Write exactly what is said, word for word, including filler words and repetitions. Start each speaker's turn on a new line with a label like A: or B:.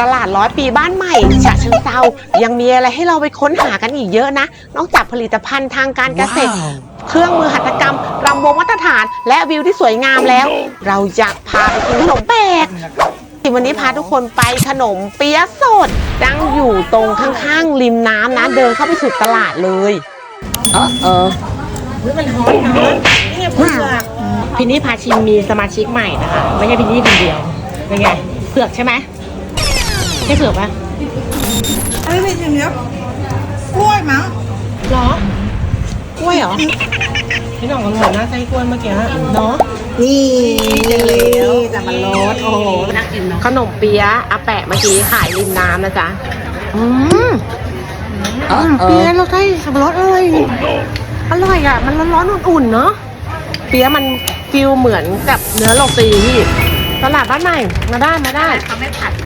A: ตลาดร้อยปีบ้านใหม่ฉะเชิงเทรายังมีอะไรให้เราไปค้นหากันอีกเยอะนะนอกจากผลิตภัณฑ์ทางการเกษตร wow. เครื่องมือหัตถกรรมรำวงมาตรฐานและวิวที่สวยงามแล้ว เราอยากพาไปกินขนมแปลกวันนี้พาทุกคนไปขนมเปี๊ยะสดตั้งอยู่ตรงข้างๆริมน้ำนะเดินเข้าไปสู่ตลาดเลยเออเออมันฮอตนะนี่ไงเผือกพินนี่พาชิมมีสมาชิกใหม่นะคะไม่ใช่พินนี่คนเดียวเป็นไงเผือกใช่ไหมใช่เผือกปะ
B: ไม่เป็นอย่างเดียวกล้วยมั้ง
A: หรอกล้วยเหรอพี่น้องอร่อยนะไส้กล้วยเมื่อกี้เนาะ
B: นี่จะเหลวจะมันรสโอ้โห
A: น่ากินเนาะขนมเปี๊ยะอาแปะเมื่อกี้ขายริมน้ำนะจ๊ะอืมขนมเปี๊ยะเราใส่สับปะรดอร่อยอร่อยอ่ะมันร้อนๆอุ่นๆเนาะเปี๊ยะมันฟิลเหมือนกับเนื้อโรตีที่ตลาดบ้านใหม่มาได้มาได้เขาไม่ผัด